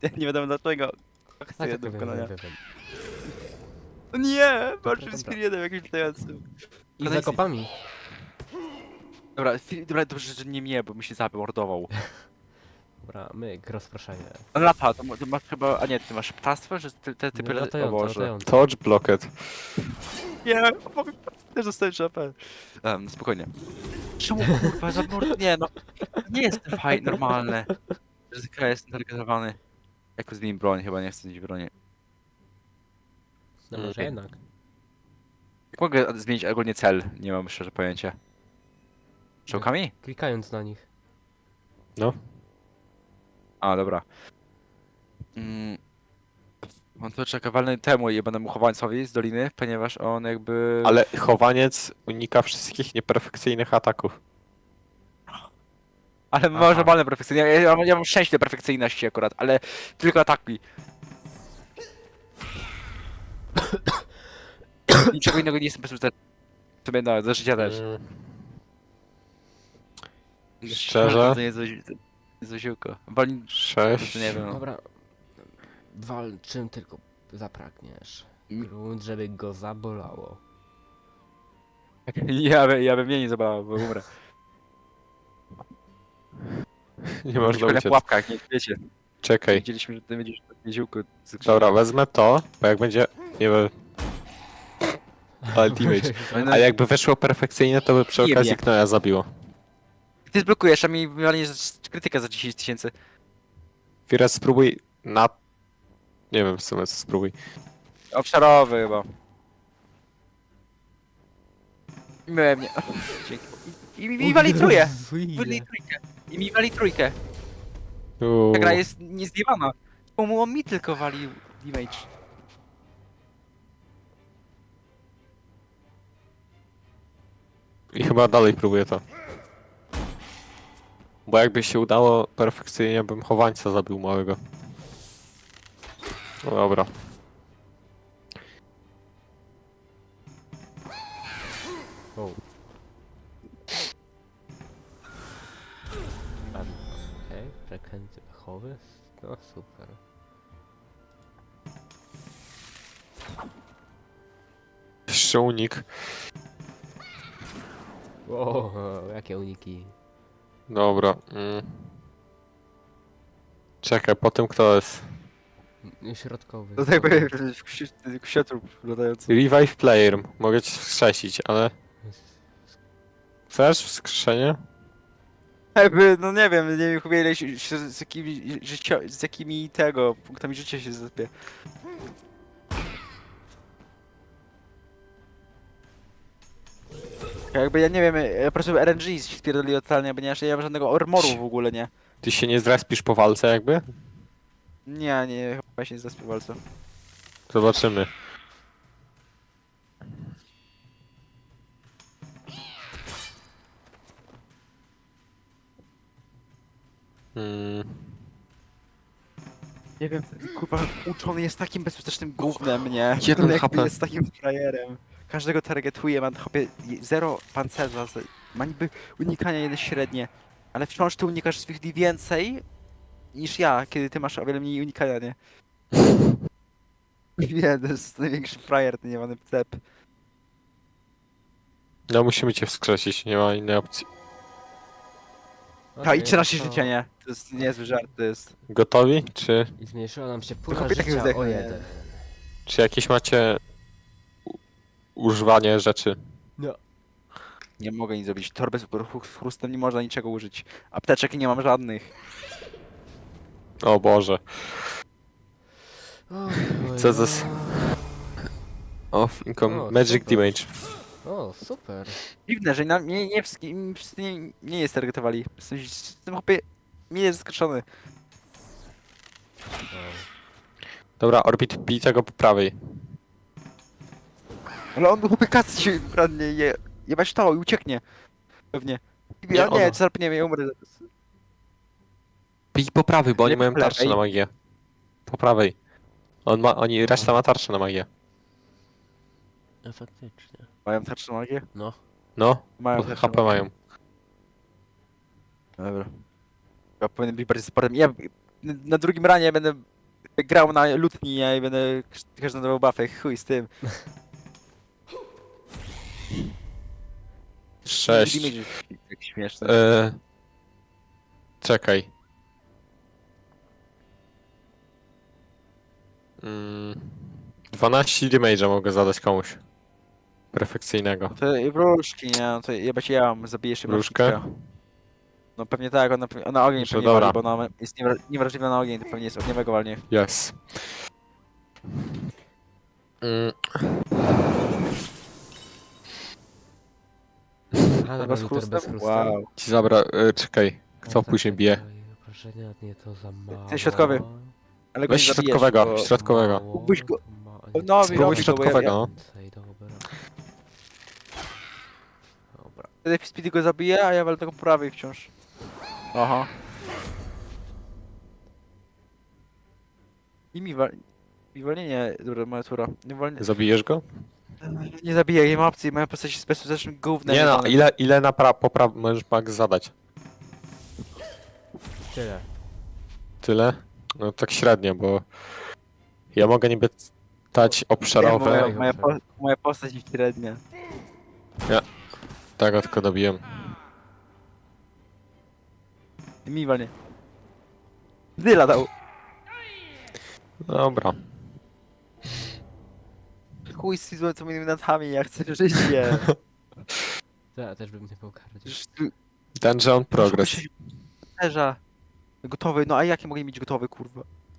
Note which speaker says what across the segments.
Speaker 1: nie wiadomo dlaczego.
Speaker 2: Tak,
Speaker 1: Chcę
Speaker 2: tak,
Speaker 1: do wykonania.
Speaker 2: wiem.
Speaker 1: O nie!
Speaker 2: Dobra,
Speaker 1: Walczył z
Speaker 2: dobra.
Speaker 1: Firienem jakimś latającym.
Speaker 2: I
Speaker 1: Kolejny-
Speaker 2: zakopami.
Speaker 1: Dobra, dobra, dobrze, że nie mnie, bo mi się zamordował.
Speaker 2: Dobra, myk, rozproszenie.
Speaker 1: On lata, to masz chyba... A nie, ty masz ptactwo, że te typy... O
Speaker 2: Latające,
Speaker 1: Boże.
Speaker 2: latające.
Speaker 3: Touch blocked.
Speaker 1: Nie, też dostałem AP. Spokojnie. Czemu kurwa nie no. Nie jestem fajny, normalny. Ryzyka jest targetowany. Jak zmień broń, chyba nie chcę mieć broni.
Speaker 2: No może jednak.
Speaker 1: Jak mogę zmienić ogólnie cel? Nie mam szczerze pojęcia. Czołkami?
Speaker 2: Klikając na nich.
Speaker 3: No.
Speaker 1: A, dobra. On to czeka walny temu i będę mu chowańcowi z doliny, ponieważ on jakby...
Speaker 3: Ale chowaniec unika wszystkich nieperfekcyjnych ataków.
Speaker 1: Ale może walne perfekcyjnie. Ja mam szczęście do perfekcyjności akurat, ale tylko ataki. Niczego innego nie jestem bezpieczny. Sobie no, do życia też.
Speaker 3: Szczerze?
Speaker 1: To nie jest zosiłko. Walni...
Speaker 3: 6.
Speaker 1: Nie wiem.
Speaker 2: Dobra. Wal czym tylko zapragniesz.
Speaker 1: Mm.
Speaker 2: Grunt, żeby go zabolało.
Speaker 1: Ja bym mnie nie zabrał, bo umrę.
Speaker 3: Nie można
Speaker 1: na
Speaker 3: uciec.
Speaker 1: pułapkach, nie wiecie.
Speaker 3: Czekaj.
Speaker 1: Widzieliśmy, że ty będziesz w jeziółku.
Speaker 3: Dobra, wezmę to, bo jak będzie... Nie wiem... Ultimate. A jakby weszło perfekcyjnie, to by przy
Speaker 1: Nie
Speaker 3: okazji
Speaker 1: wiem.
Speaker 3: Knoja zabiło.
Speaker 1: Ty zblokujesz, a mi wywalnie krytyka za 10 000.
Speaker 3: Teraz spróbuj na... Nie wiem w sumie co spróbuj.
Speaker 1: Obszarowy chyba. Miałem nie. Dzięki. I mi wali trójkę. Wali trójkę. I mi wali trójkę. Ta gra jest niezjebana. Czemu on mi tylko wali damage?
Speaker 3: I chyba dalej próbuję to. Bo jakby się udało perfekcyjnie, bym chowańca zabił małego. No dobra.
Speaker 2: O. Okej, przekręty pechowy. No super.
Speaker 3: Jeszcze unik.
Speaker 2: O, jakie uniki.
Speaker 3: Dobra. Czekaj, po tym kto jest?
Speaker 2: Środkowy.
Speaker 1: To tak powiem, ksiątrób latający.
Speaker 3: Revive player. Mogę cię wskrzesić, ale... Chcesz wskrzeszenie?
Speaker 1: Jakby, no nie wiem, nie wiem chyba ile z jakimi tego punktami życia się zapie. Jakby ja nie wiem, ja po prostu RNG się spierdoli totalnie, bo nie mam żadnego armoru w ogóle, nie.
Speaker 3: Ty się nie zrespisz po walce jakby?
Speaker 1: Nie, chyba się nie zaspię walce.
Speaker 3: Zobaczymy.
Speaker 1: Nie wiem, ten kurwa uczony jest takim bezskutecznym gównem, nie?
Speaker 3: Jeden
Speaker 1: On jakby
Speaker 3: HP.
Speaker 1: jest takim frajerem. Każdego targetuje, ma chopie zero pancerza, ma niby unikania jedno średnie, ale wciąż ty unikasz swych więcej niż ja, kiedy ty masz o wiele mniej unikania, nie? Nie, to jest największy frajer, ten niewany cep.
Speaker 3: No musimy cię wskrzesić, nie ma innej opcji.
Speaker 1: A i 13 życia, nie? To jest niezły żart, to jest...
Speaker 3: Gotowi?
Speaker 2: I zmniejszyła nam się pula
Speaker 1: chłopie takiego
Speaker 2: życia
Speaker 1: zdechnie,
Speaker 2: o
Speaker 1: nie?
Speaker 2: 1.
Speaker 3: Czy jakieś macie... używanie rzeczy?
Speaker 2: No.
Speaker 1: Nie mogę nic zrobić. Torby z chrustem nie można niczego użyć. Apteczek nie mam żadnych.
Speaker 3: O Boże. Co za Off income
Speaker 2: O,
Speaker 3: magic
Speaker 2: super.
Speaker 3: damage.
Speaker 2: O, super.
Speaker 1: Dziwne, że na mnie nie wszystkim wszyscy nie jest targetowali. Jestem chłopie... Nie jest zaskoczony.
Speaker 3: Dobra, Orbit, bij tego po prawej.
Speaker 1: Ale on chłopie kasy się kradnie je... Jebać to i ucieknie. Pewnie.
Speaker 3: Nie,
Speaker 1: Ja nie,
Speaker 3: ono.
Speaker 1: zarpniemy, ja umrę.
Speaker 3: Bij po prawej, bo oni
Speaker 1: Nie,
Speaker 3: mają
Speaker 1: po
Speaker 3: tarczę
Speaker 1: lewej.
Speaker 3: na magię. Po prawej. Reszta ma tarczę na magię.
Speaker 2: No faktycznie.
Speaker 1: Mają tarczę magię?
Speaker 2: No.
Speaker 3: No,
Speaker 1: Mają
Speaker 3: pod
Speaker 1: tarczę
Speaker 3: HP
Speaker 1: magię.
Speaker 3: mają.
Speaker 1: Dobra. Ja powinien być bardziej supportem. Ja na drugim ranie będę grał na lutni, ja i będę każdy nowy buffy, chuj z tym.
Speaker 3: 6.
Speaker 1: Damage jest tak śmieszny.
Speaker 3: Czekaj. 12 damage'a mogę zadać komuś. Perfekcyjnego.
Speaker 1: To i wróżki, nie? No to jebać ja mam, zabijesz się
Speaker 3: Wróżkę?
Speaker 1: No pewnie tak, ona ogień
Speaker 3: Że
Speaker 1: pewnie
Speaker 3: dobra.
Speaker 1: wali, bo ona jest niewrażliwa na ogień, to pewnie jest ogniowego walnie.
Speaker 3: Yes.
Speaker 2: A,
Speaker 1: Bez
Speaker 2: dobra, liter
Speaker 1: chrustu?
Speaker 2: bez chrustu.
Speaker 1: Wow.
Speaker 3: Ci zabra... czekaj. Kto
Speaker 2: O, tak,
Speaker 3: później
Speaker 2: tak,
Speaker 3: bije?
Speaker 2: tak, Obrażenia, nie, to za mało.
Speaker 1: Ten środkowy. Ale go
Speaker 3: Weź
Speaker 1: nie zabijesz,
Speaker 3: środkowego,
Speaker 1: bo...
Speaker 3: środkowego.
Speaker 2: Mało,
Speaker 1: Mógłbyś go-
Speaker 2: nie,
Speaker 1: No,
Speaker 3: Spróbuj
Speaker 1: robi go, bo
Speaker 3: środkowego, no.
Speaker 2: więcej, dobra. Dobra.
Speaker 1: Wtedy Speedy go zabije, a ja walę tego po prawej wciąż. Aha. I mi wolnienie, dobra, moja tura.
Speaker 3: Zabijesz go?
Speaker 1: Nie zabiję, nie ma opcji, moja postać jest bezpośrednim gównem.
Speaker 3: Nie no,
Speaker 1: jebanym.
Speaker 3: ile popraw możesz max zadać?
Speaker 2: Tyle.
Speaker 3: Tyle? No tak średnio, bo... Ja mogę niby dać
Speaker 1: Nie,
Speaker 3: obszarowe.
Speaker 1: moja postać jest średnia.
Speaker 3: Tego tylko dobiłem.
Speaker 1: Mi walnie. Dyla dał.
Speaker 3: Dobra.
Speaker 1: Chuj z tymi co moimi nadami, ja chcę życie.
Speaker 2: Ja też bym nie był kardził.
Speaker 1: Przecież tu-
Speaker 3: Dungeon Progress.
Speaker 1: Serza. Gotowy, no a jakie mogę mieć gotowy, kurwa?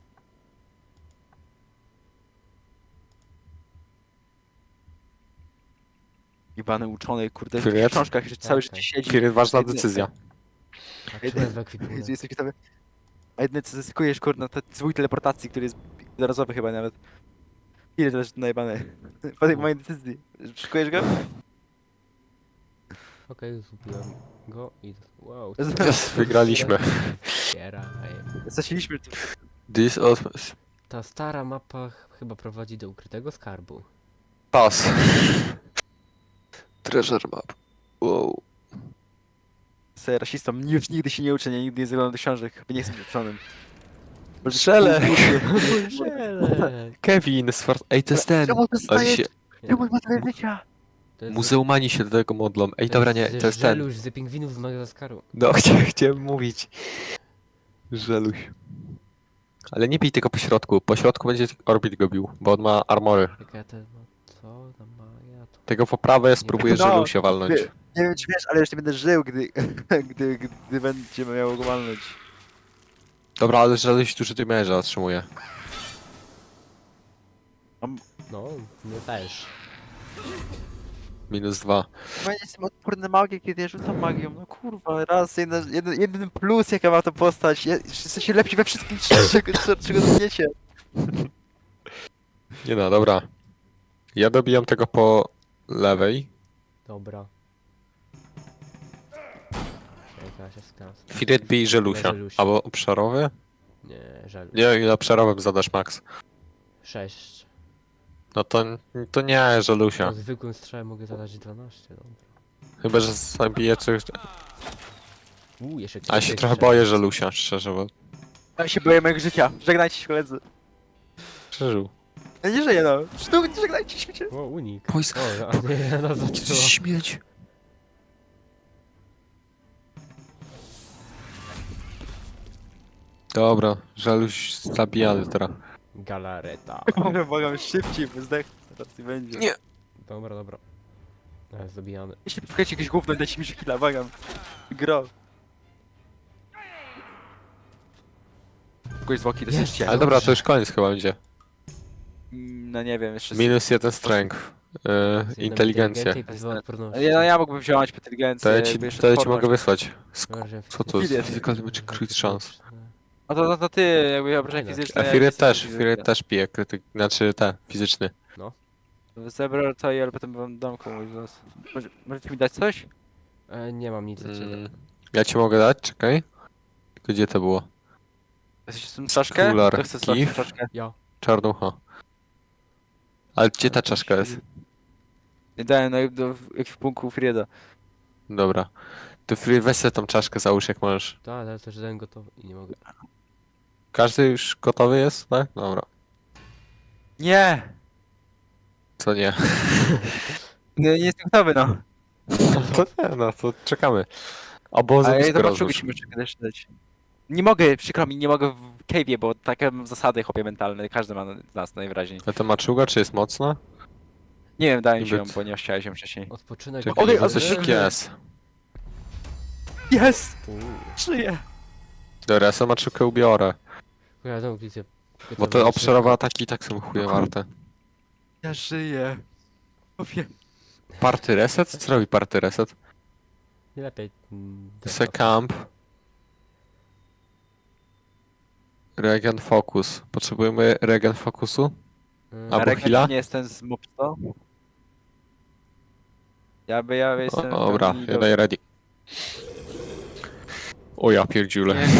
Speaker 1: Jebany uczony, kurde, w tych
Speaker 3: Привет.
Speaker 1: książkach jeszcze całe
Speaker 2: Tak,
Speaker 1: życie
Speaker 2: tak.
Speaker 1: siedzi.
Speaker 3: Kiedy ważna
Speaker 1: Jedyne-
Speaker 3: decyzja.
Speaker 2: A czy jest w ekwipunku?
Speaker 1: Jezu, jesteś gotowy? A jedyne co zyskujesz, kurde, to zwój teleportacji, który jest jednorazowy chyba nawet. Ile to jest najebane? Po tej mojej decyzji. Szykujesz go?
Speaker 2: Okej, zgubiłem go i... Wow,
Speaker 3: Yes, wygraliśmy.
Speaker 2: Kiera,
Speaker 1: Zasiliśmy tu.
Speaker 3: This was...
Speaker 2: Ta stara mapa chyba prowadzi do ukrytego skarbu.
Speaker 3: Pass. Treasure map. Wow.
Speaker 1: Sobie rasistą, już nigdy się nie uczę, nie, nigdy nie zaglądam do książek, chyba nie jestem uczonym.
Speaker 3: Żelek!
Speaker 2: Żelek!
Speaker 3: Kevin, Ej, to jest ten.
Speaker 1: Czemu to
Speaker 3: Ale
Speaker 1: stajesz?
Speaker 3: się...
Speaker 1: Czemu ma tyle życia?
Speaker 2: To jest-
Speaker 3: Muzeumani się do tego modlą. Ej, dobra, nie, to jest ten.
Speaker 2: Żeluś z pingwinów z Madagaskaru.
Speaker 3: No, chciałem mówić. Żeluś. Ale nie bij tego po środku. Po środku będzie Orbit go bił, bo on ma armory.
Speaker 2: Jaka to... No, co tam ma? Ja to...
Speaker 3: Tego po prawej spróbuję
Speaker 1: No,
Speaker 3: Żelusia walnąć.
Speaker 1: Nie wiem czy wiesz, ale jeszcze będę żył, gdy, gdy będziemy miało go walnąć.
Speaker 3: Dobra, ale Żeluś duży damage'a otrzymuje.
Speaker 2: No, my też.
Speaker 3: -2.
Speaker 1: Chyba nie jestem odporny na magię, kiedy ja rzucam magią. No kurwa, raz, jeden plus jaka ma to postać. Jesteście lepsi we wszystkim, czego dotkniecie.
Speaker 3: Nie no, dobra. Ja dobijam tego po lewej.
Speaker 2: Dobra. Jaka się skrasa.
Speaker 3: Firet bij Żelusia.
Speaker 2: Żelusia.
Speaker 3: Albo obszarowy?
Speaker 2: Nie, żel.
Speaker 3: Nie, ile obszarowym zadasz max.
Speaker 2: 6.
Speaker 3: No to nie Żelusia.
Speaker 2: Po zwykłym strzale mogę zadać 12, dobra.
Speaker 3: Chyba, że zabiję coś.
Speaker 2: Jeszcze
Speaker 3: A ja się trochę boję Żelusia, szczerze, bo
Speaker 1: Ja się boję mojego życia. Żegnajcie się koledzy.
Speaker 3: przeżył.
Speaker 1: Ja nie żyję no. Sztuk, żegnajcie się.
Speaker 2: O, unik.
Speaker 3: Pois-
Speaker 2: O, a nie, no zaczęło.
Speaker 3: śmieć. Dobra, Żeluś zabijany teraz.
Speaker 2: Galareta.
Speaker 1: Błagam szybciej, bo zdechnę. Zaraz nie będzie.
Speaker 3: Nie.
Speaker 2: Dobra, dobra. Jest zabijany.
Speaker 1: Jeśli szukajcie jakiegoś gówno i dajcie mi killa, błagam. Gro. Kogoś zwłoki to
Speaker 2: Jest.
Speaker 1: jest
Speaker 3: Ale dobra, to już koniec chyba będzie.
Speaker 1: No nie wiem, jeszcze...
Speaker 3: -1 strength. Inteligencja.
Speaker 2: I pozwala odporności.
Speaker 1: Ja mógłbym wziąć inteligencję,
Speaker 3: To ja ci,
Speaker 1: jakby jeszcze
Speaker 3: to ja ci
Speaker 1: odporność.
Speaker 3: mogę wysłać.
Speaker 2: Dobra, że-
Speaker 3: Co to jest?
Speaker 1: Firet.
Speaker 3: Physical damage crit chance.
Speaker 1: A to ty, jakby obrażenia
Speaker 2: Fajne.
Speaker 1: fizyczne...
Speaker 3: A
Speaker 1: ja
Speaker 3: Firet
Speaker 1: jestem
Speaker 3: też,
Speaker 1: fizyczny.
Speaker 3: Firet też pije krytyk, znaczy fizyczny.
Speaker 1: Zebrał to i ale potem wam dam komuś z was. Możecie mi dać coś?
Speaker 2: Nie mam nic za ciebie.
Speaker 3: Ja ci mogę dać, czekaj. Tylko gdzie to było?
Speaker 1: Chcesz tą czaszkę?
Speaker 3: Skular
Speaker 1: To chcę tą
Speaker 3: Kif.
Speaker 1: czaszkę.
Speaker 2: Ja.
Speaker 3: Czarnucha. Ale gdzie ta czaszka jest?
Speaker 1: Nie dałem jak w punku Frieda.
Speaker 3: Dobra. To Firet, weź sobie tą czaszkę, załóż jak możesz.
Speaker 2: Tak, ale też jeden gotowy i nie mogę.
Speaker 3: Każdy już gotowy jest, tak? Dobra.
Speaker 1: Nie!
Speaker 3: Co nie?
Speaker 1: Nie jestem gotowy, no.
Speaker 3: To nie, no to czekamy. Obozu
Speaker 1: Ale
Speaker 3: blisko
Speaker 1: zobaczył,
Speaker 3: rozłóż.
Speaker 1: musimy czekać dać. Nie mogę, przykro mi, nie mogę w cave'ie, bo takie mam zasady chłopie mentalne, każdy ma z nas najwyraźniej.
Speaker 3: A ta maczuga, czy jest mocna?
Speaker 1: Nie wiem, dałem ci ją,
Speaker 3: Niby-
Speaker 1: bo nie chciałem się wcześniej.
Speaker 2: Odpoczynek.
Speaker 3: Czekaj,
Speaker 1: Oj,
Speaker 3: bo
Speaker 1: a
Speaker 3: coś
Speaker 1: z-
Speaker 3: jest.
Speaker 1: Jest!
Speaker 2: Uuu.
Speaker 1: Żyję!
Speaker 3: Dobra, ja sobie maczukę ubiorę.
Speaker 2: Wiadomo, gdzie...
Speaker 3: Bo te obszarowe ataki i tak są chuje warte.
Speaker 1: Ja żyję. Chłopie.
Speaker 3: Party reset? Co robi party reset?
Speaker 2: Nie lepiej...
Speaker 3: Secamp. Regen focus. Potrzebujemy regen focusu?
Speaker 2: Mm,
Speaker 3: Albo
Speaker 1: Marek,
Speaker 3: heala?
Speaker 1: nie jestem z Mopsto. Ja
Speaker 3: O,
Speaker 1: jestem...
Speaker 3: dobra, ja daję ready. O ja pierdziule.
Speaker 1: Nie.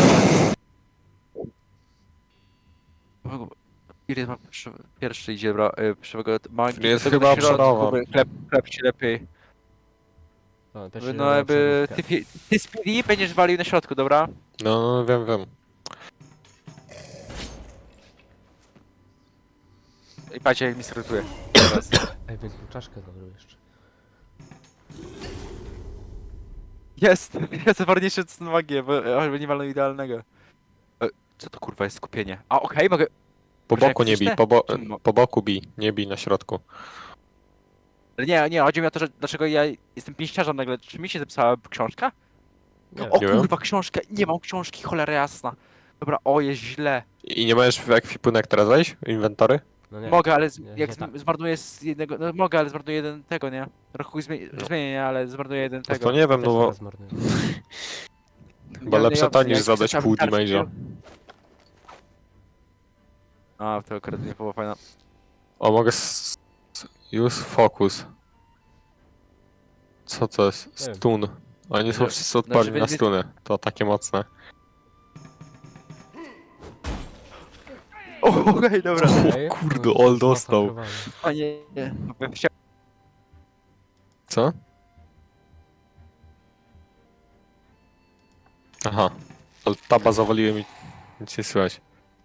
Speaker 1: Iry ma pierwszy idzie, bro. Magii.
Speaker 3: Jest
Speaker 1: tego
Speaker 3: chyba
Speaker 1: do środku,
Speaker 3: obszarowa.
Speaker 1: by Chleb ci lepiej.
Speaker 2: o, pierwszy
Speaker 1: No
Speaker 2: raz
Speaker 1: jakby...
Speaker 2: obszarówkę.
Speaker 1: Ty speedy będziesz walił na środku, dobra?
Speaker 3: No, wiem.
Speaker 1: I patrzcie jak mi skrótuje.
Speaker 2: Ej, więc mu czaszkę zabrał jeszcze.
Speaker 1: Jest! Jest ważniejsze co na magię, bo nie walną idealnego. Co to kurwa jest skupienie? A okej, mogę...
Speaker 3: Po
Speaker 1: Może
Speaker 3: boku
Speaker 1: jak
Speaker 3: nie bij,
Speaker 1: wcisnę? Czym mo-
Speaker 3: po boku bij, nie bij na środku.
Speaker 1: Ale nie, chodzi mi o to, że dlaczego ja jestem pięściarzem nagle. Czy mi się zapisała książka?
Speaker 2: Nie
Speaker 1: O
Speaker 3: Nie wiem.
Speaker 1: kurwa, książkę! Nie mam książki, cholera jasna. Dobra, o, jest źle.
Speaker 3: I nie możesz w ekwipunek teraz wejść? Inwentory?
Speaker 2: No nie.
Speaker 1: Mogę, ale
Speaker 2: nie,
Speaker 1: jak
Speaker 2: nie tak.
Speaker 1: zmarnuję z jednego... No mogę, ale zmarnuję jeden tego, nie? Rokuj zmienię, nie, ale zmarnuję jeden
Speaker 3: No
Speaker 1: tego.
Speaker 3: to nie wiem, no bo
Speaker 2: Też zmarnuję.
Speaker 3: chyba lepsze to niż
Speaker 1: jak
Speaker 3: zadać
Speaker 1: chcesz,
Speaker 3: pół
Speaker 1: tam tarczy
Speaker 3: damage'a.
Speaker 1: A, to akurat nie było fajne.
Speaker 3: O, mogę use focus. Co to jest?
Speaker 2: Nie wiem.
Speaker 3: Stun. Oni są
Speaker 1: Że-
Speaker 3: wszyscy odporni
Speaker 1: znaczy,
Speaker 3: na
Speaker 1: wy-
Speaker 3: stuny. To takie mocne.
Speaker 1: O, okej, dobra.
Speaker 2: Ej,
Speaker 3: kurde,
Speaker 2: no,
Speaker 3: all
Speaker 2: to
Speaker 3: dostał.
Speaker 2: zmasakrowane.
Speaker 1: O nie, nie.
Speaker 3: Co? Aha. Ale taba zawaliłem i nic nie słychać.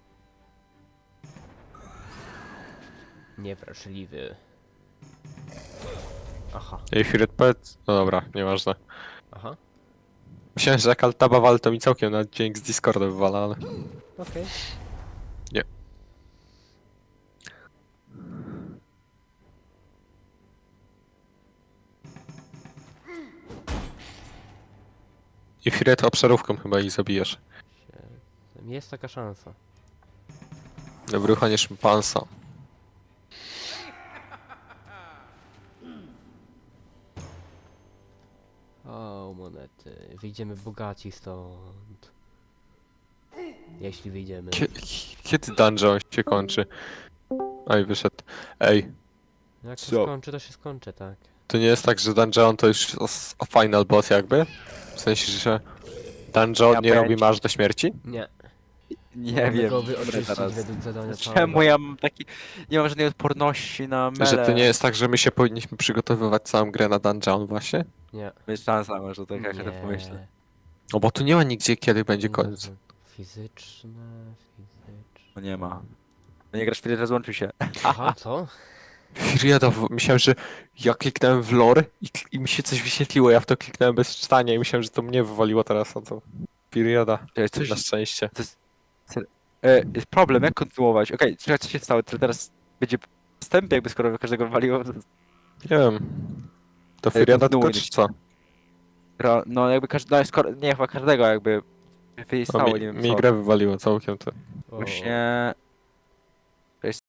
Speaker 2: Niewrażliwy. Aha,
Speaker 3: Ej, Firet, powiedz... No dobra, nieważne.
Speaker 2: aha.
Speaker 3: Myślałem, że jak altaba wal, to mi całkiem na dźwięk z Discorda wywala, ale...
Speaker 2: Okej.
Speaker 3: Nie. I Firet obszarówką chyba ich zabijesz.
Speaker 2: Jest taka szansa.
Speaker 3: Dobry uchanie szympansa.
Speaker 2: O, monety. Wyjdziemy bogaci stąd. Jeśli wyjdziemy.
Speaker 3: Kiedy dungeon się kończy? Oj, wyszedł. Ej,
Speaker 2: Jak się
Speaker 3: Co?
Speaker 2: skończy, to się skończy, tak.
Speaker 3: to nie jest tak, że dungeon to już jest final boss jakby? W sensie, że dungeon
Speaker 1: Ja
Speaker 3: nie robi
Speaker 1: pojęcia.
Speaker 3: masz do śmierci?
Speaker 2: Nie.
Speaker 1: Nie
Speaker 2: Mamy
Speaker 1: wiem.
Speaker 2: go
Speaker 1: Dobra,
Speaker 2: wyoczyścić
Speaker 1: teraz.
Speaker 2: według zadania
Speaker 1: Czemu ja mam taki... Nie mam żadnej odporności na mele.
Speaker 3: Że to nie jest tak, że my się powinniśmy przygotowywać całą grę na dungeon właśnie?
Speaker 2: Nie.
Speaker 1: Jest szansa może, tak jak ja
Speaker 2: Nie.
Speaker 1: pomyślę.
Speaker 3: No bo tu nie ma nigdzie kiedy będzie
Speaker 2: Nie,
Speaker 3: koniec.
Speaker 2: Fizyczne.
Speaker 1: No nie ma. No nie grasz w rozłączył się.
Speaker 2: Aha, co?
Speaker 3: Firiada, myślałem, że ja kliknąłem w lore i mi się coś wyświetliło, ja w to kliknąłem bez czytania i myślałem, że to mnie wywaliło teraz, a to Firiada,
Speaker 1: To jest coś...
Speaker 3: na szczęście.
Speaker 1: Jest problem, jak kontynuować? Okej, czekaj, co się stało? To teraz będzie wstęp jakby skoro każdego wywaliło.
Speaker 3: Nie wiem. To Firiada tylko
Speaker 1: kontynuuj.
Speaker 3: czy co?
Speaker 1: No jakby każdy... No, skoro, nie, chyba każdego jakby wystało,
Speaker 3: No,
Speaker 1: nie wiem
Speaker 3: mi
Speaker 1: co.
Speaker 3: grę wywaliło całkiem to.
Speaker 2: O,
Speaker 1: Właśnie...